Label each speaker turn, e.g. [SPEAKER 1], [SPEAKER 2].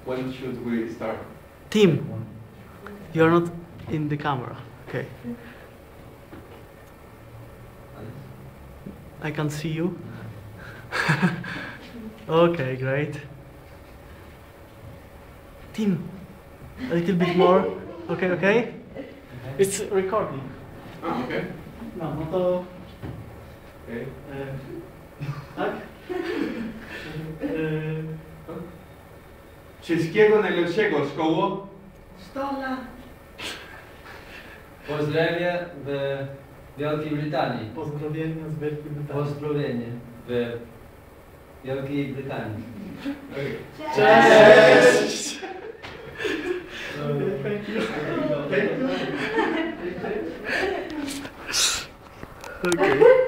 [SPEAKER 1] When should we start?
[SPEAKER 2] Tim, you're not in the camera. Okay. I can see you. Okay, great. Tim, a little bit more. Okay, okay? It's recording.
[SPEAKER 1] Ah, okay.
[SPEAKER 2] No, no to...
[SPEAKER 1] Okay.
[SPEAKER 2] Tak?
[SPEAKER 1] Wszystkiego najlepszego, szkoło.
[SPEAKER 3] 100 lat.
[SPEAKER 4] Pozdrowie w Wielkiej Brytanii.
[SPEAKER 2] Pozdrowienia z Wielkiej Brytanii.
[SPEAKER 4] Pozdrowienie w Wielkiej Brytanii.
[SPEAKER 1] Okay.
[SPEAKER 2] Cześć!
[SPEAKER 1] Thank you.
[SPEAKER 2] Okay.